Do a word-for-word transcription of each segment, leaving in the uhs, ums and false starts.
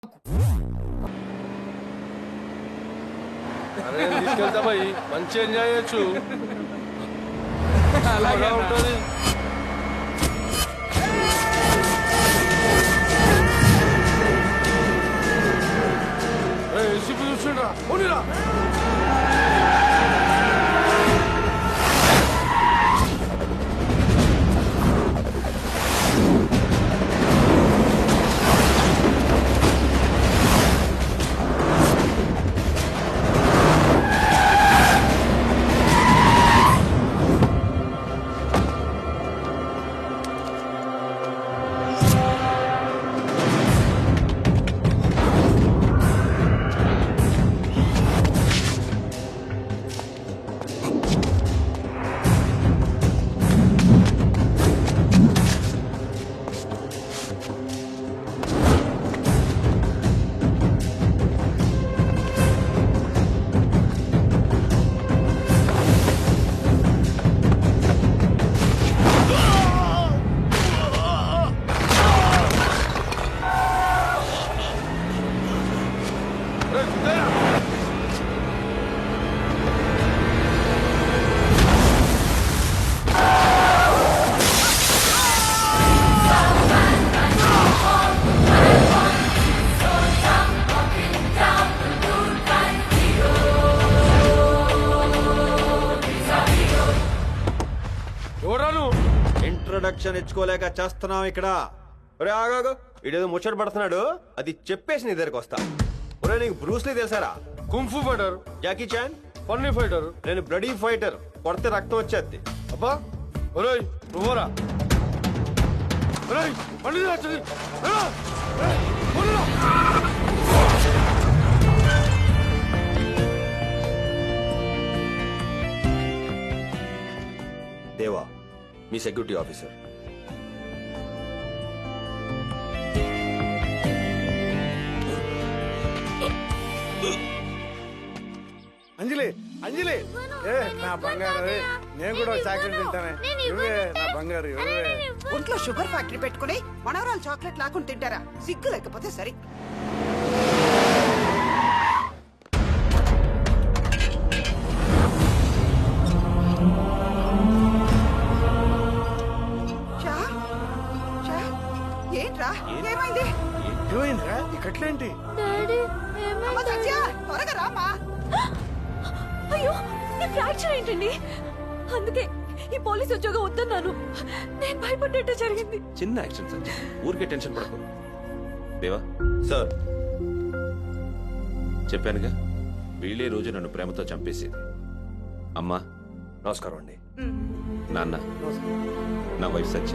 అరే తీసుకెళ్తా పోయి మంచి ఎంజాయ్ చేయొచ్చు. అలాగే ఉంటుంది. ఏసీపీ చూసిండ్రా పోనీరా. ఇంట్రొడక్షన్ ఇచ్చుకోలేక చేస్తున్నాం ఇక్కడ. ఒరే ఆగాగు, వీడేదో ముచ్చట పడుతున్నాడు, అది చెప్పేసి నీ దగ్గరకు వస్తా. ఒరే నీకు బ్రూస్లీ తెలుసారా? Kung fu fighter. Jackie Chan funny fighter. నేను బ్లడీ ఫైటర్, కొడితే రక్తం వచ్చేది. అబ్బా ఒరేయ్ నువ్వురా. ఒరేయ్ బండి వచ్చి దేవా మీ సెక్యూరిటీ ఆఫీసర్. అంజలి అంజలి ఏ నా బంగారు, నేను కూడా చాక్లెట్ తింటానే. ఇవే నా బంగారు, ఇవే. ఒంట్లో షుగర్ ఫ్యాక్టరీ పెట్టుకుని మనవరాలు చాక్లెట్ లాక్కుని తింటారా? సిగ్గు లేకపోతే సరే. షా, షా, ఏంట్రా ఏమైంది? ఏమైందిరా? ఈ కట్లేంటి? అమ్మ సత్య, త్వరగా రామా. అయ్యో ఈ ఫ్రాక్చర్ ఏంటండి? అందుకే ఈ పోలీస్ ఉద్యోగం వద్దన్నాను. నేను భయపడ్డట్టు జరిగింది. చిన్న యాక్షన్ సార్, ఊరికే టెన్షన్ పడకు. దేవా సార్ చెప్పానుగా, వీళ్ళే రోజు నన్ను ప్రేమతో చంపేసేది. అమ్మా నమస్కారం అండి. నాన్న, నా wife Satya,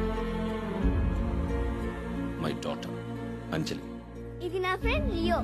my daughter Anjali. ఇది నా ఫ్రెండ్ లియో.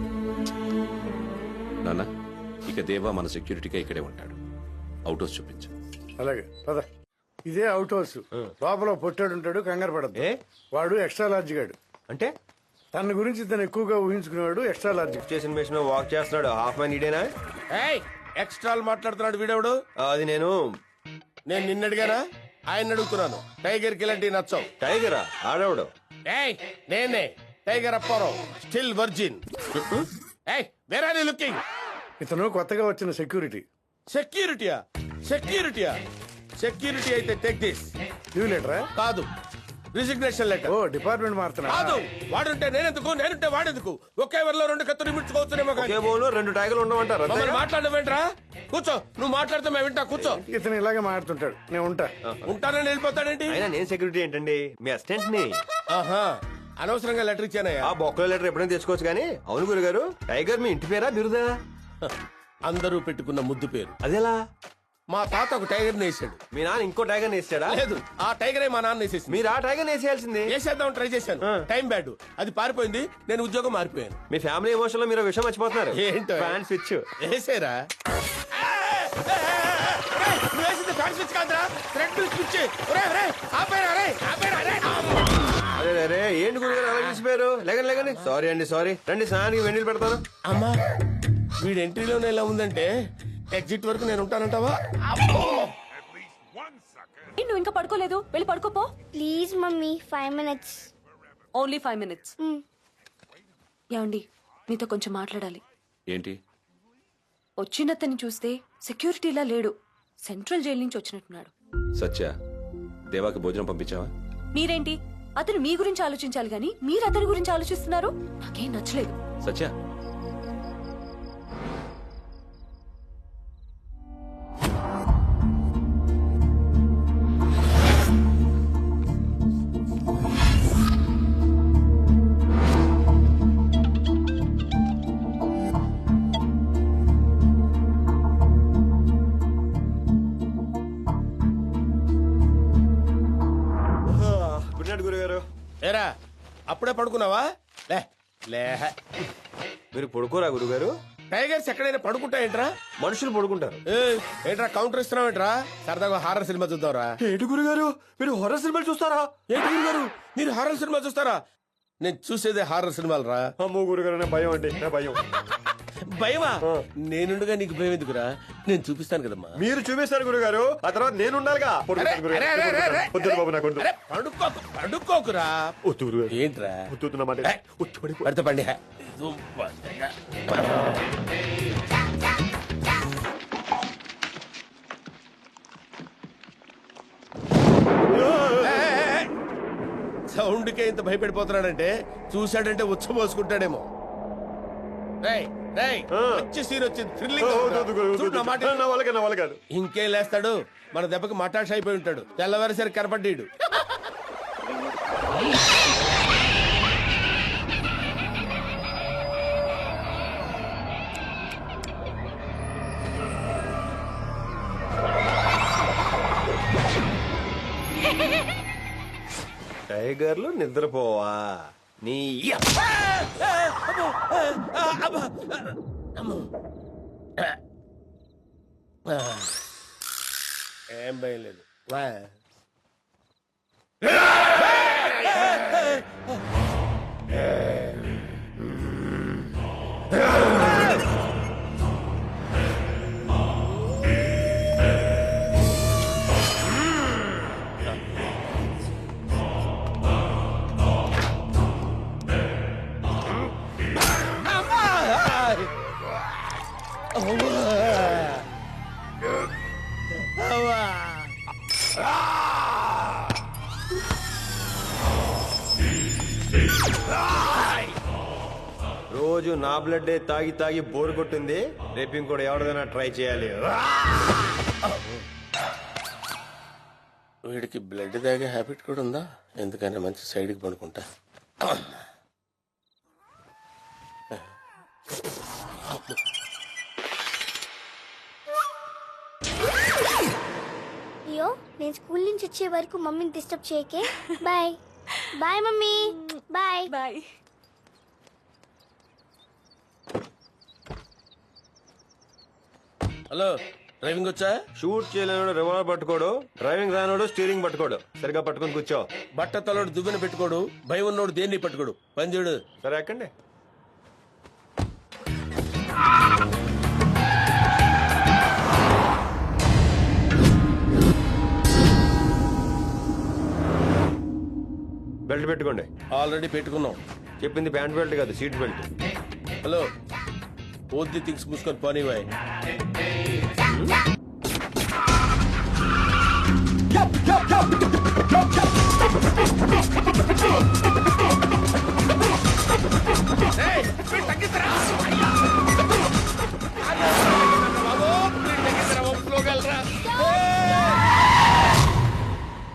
నాన్న, ఇక దేవా మన సెక్యూరిటీగా ఇక్కడే ఉంటాడు. అవుట్ హౌస్ చూపించు. అలాగే పద. ఇదే అవుట్ హౌస్. లోపల పొట్టాడు ఉంటాడు, కంగారు పడద్దు. ఏ? వాడు ఎక్స్ట్రా లార్జ్ గాడు. అంటే తన గురించి తను ఎక్కువగా ఊహించుకునేవాడు ఎక్స్ట్రా లార్జ్. స్టేషన్ బేస్ మీద వాక్ చేస్తున్నాడు. హాఫ్ మ్యాన్ ఇడేనా? ఎక్స్ట్రాలు మాట్లాడుతున్నాడు వీడెవడు? అది నేను నేను నిన్నడిగానా ఆయన అడుగుతున్నాను. టైగర్ కి ఇలాంటివి నచ్చవు. టైగరా? ఆడవడు. ఏయ్ నేనే టైగర్ అప్పారావు, స్టిల్ వర్జిన్. ఏయ్ వేర్ ఆర్ యు లుకింగ్? ఇతను కొత్తగా వచ్చిన సెక్యూరిటీ. సెక్యూరిటీయా? సెక్యూరిటీయా? సెక్యూరిటీ అయితే టేక్ దిస్. లీవ్ లెటరా? కాదు, రిజిగ్నేషన్ లెటర్. ఓ డిపార్ట్మెంట్ మారుతున్నా. కాదు, వాడుంటే నేనెందుకు, నేనుంటే వాడెందుకు? ఒకే వరలో రెండు కత్తులు ఇమిడ్చుకోవచ్చునేమో. ఒకే బోన్లో రెండు టైగర్లు ఉండమంటారు. మమ్మల్ని మాట్లాడవేంట్రా? కూర్చో, నువ్వు మాట్లాడితే మేము వింటా. కూర్చో. ఇతను ఇలాగే మారుతుంటాడు, నేను ఉంటా. ఉంటానని వెళ్ళిపోతాడేంటి? అయినా నేను సెక్యూరిటీ ఏంటండి, మీ అసిస్టెంట్ ని. ఆహా, అనవసరంగా లెటర్ ఇచ్చానయ్యా. ఆ బొక్కల లెటర్ ఎప్పుడైనా తెచ్చుకోవచ్చు కానీ. అవును గురుగారు, టైగర్ మీ ఇంటి పేరా బిరుదా? అందరూ పెట్టుకున్న ముద్దు పేరు. అదేలా? మా తాత ఒక టైగర్ వేసాడు. మీ నాన్న ఇంకో టైగర్ వేసాడా? లేదు, ఆ టైగరే మా నాన్న వేసేసి. మీరు ఆ టైగర్ వేసేయాల్సింది. వేసేద్దాం ట్రై చేశాను, టైం బ్యాడ్. అది పారిపోయింది, నేను ఉద్యోగం మారిపోయాను. మీ ఫ్యామిలీ ఎమోషన్ లో మీరు విషయం మర్చిపోతున్నారు. ఏంటో? ఫ్యాన్ స్విచ్ వేసేరా? వేసింది ఫ్యాన్ స్విచ్ కాదురా, థ్రెడ్ స్విచ్. అరే అరే ఏంటి గురుగారు అలా తీసిపోయారు? లేకండి లేకండి. సారీ అండి, సారీ. రండి స్నానానికి వెన్నీళ్ళు పెడతాను. అమ్మా, వీడి ఎంట్రీలోనే ఎలా ఉందంటే ఎగ్జిట్ వరకు నేను ఉంటానంటావా? నువ్వు ఇంకా పడుకోలేదు, వెళ్ళి పడుకోపో. Please mummy, five minutes. Only five minutes. యాండి మీతో కొంచెం మాట్లాడాలి. ఏంటి? వచ్చినతన్ని చూస్తే సెక్యూరిటీలా లేడు, సెంట్రల్ జైలు నుంచి వచ్చినట్టున్నాడు. సత్య, దేవాకి భోజనం పంపించావా? మీరేంటి అతను మీ గురించి ఆలోచించాలి గాని మీరు అతని గురించి ఆలోచిస్తున్నారు? నాకేం నచ్చలేదు. సత్య, గుడ్ నైట్ గురుగారు. ఏరా అప్పుడే పడుకున్నావా? లే లే మీరు పడుకోరా గురుగారు? టైగర్స్ ఎక్కడైనా పడుకుంటాయేంట్రా? మనుషులు పడుకుంటారు. ఏయ్, ఏంట్రా కౌంటర్ ఇస్తున్నావేంట్రా? సరదాగా హారర్ సినిమా చూద్దాంరా. ఏంటి గురుగారు, మీరు హొర్రర్ సినిమాలు చూస్తారా? ఏంటి గురుగారు మీరు హారర్ సినిమా చూస్తారా? నేను చూసేదే హారర్ సినిమాలు రా. అమ్మో గురుగారు, నా భయం అండి, నా భయం. భయమా? నేనుండగా నీకు భయం ఎందుకురా? నేను చూపిస్తాను కదమ్మా. మీరు చూపిస్తారు గురుగారు, ఆ తర్వాత నేను ఉండాలిగా. అరే, అరే, అరే, అరే, అరే. వద్దు బాబు, నాకు వద్దు. అరే, పడుకోకు పడుకోకురా. వద్దు గురుగారు. ఏంట్రా వద్దు, వద్దు, నా మాట. ఏయ్. వద్దు, పడిపో. పడితే పండి సౌండ్కే ఇంత భయపడిపోతున్నాడంటే చూశాడంటే ఉచ్చబోసుకుంటాడేమో. రేయ్, రేయ్, ఆ. మంచి సీన్ వచ్చింది, థ్రిల్లింగ్ వద్దు, గా వద్దు, ఉందిరా. వద్దు, చూడు నా మాట. నా వల్ల కాదు, నా వల్ల కాదు. ఇంకేం లేస్తాడు, మన దెబ్బకి మటాష్ అయిపోయి ఉంటాడు. తెల్లవారిసరికి కనపడ్డాడు. టైగర్లు నిద్రపోవా నీ ఏం భయం లేదు. వా. రోజు నా బ్లడ్ తాగి తాగి బోర్ కొట్టింది. రేపు ఇంకోటి ఎవరిదైనా ట్రై చేయాలి. వీడికి బ్లడ్ తాగే హ్యాబిట్ కూడా ఉందా? ఎందుకని మంచి సైడ్కి పడుకుంటా. లియో, నేను స్కూల్ నుంచి వచ్చే వరకు మమ్మీని డిస్టర్బ్ చేయకే. Bye bye mummy. Bye bye. Hello, driving వచ్చా? షూట్ చేయలేనోడు రివాల్వర్ పట్టుకోడు, డ్రైవింగ్ రానోడు స్టీరింగ్ పట్టుకోడు. సరిగా పట్టుకొని కూర్చో. బట్ట తలోడు దువ్వెన పెట్టుకోడు, భయం ఉన్నోడు దేన్ని పట్టుకోడు. పని చూడు. సరే ఎక్కండి. బెల్ట్ పెట్టుకోండి. ఆల్రెడీ పెట్టుకున్నాం. చెప్పింది ప్యాంట్ బెల్ట్ కాదు, seat belt. Hello, only things మూసుకొని పోనీ bye. Yup, yup, yup, yup, yup, yup.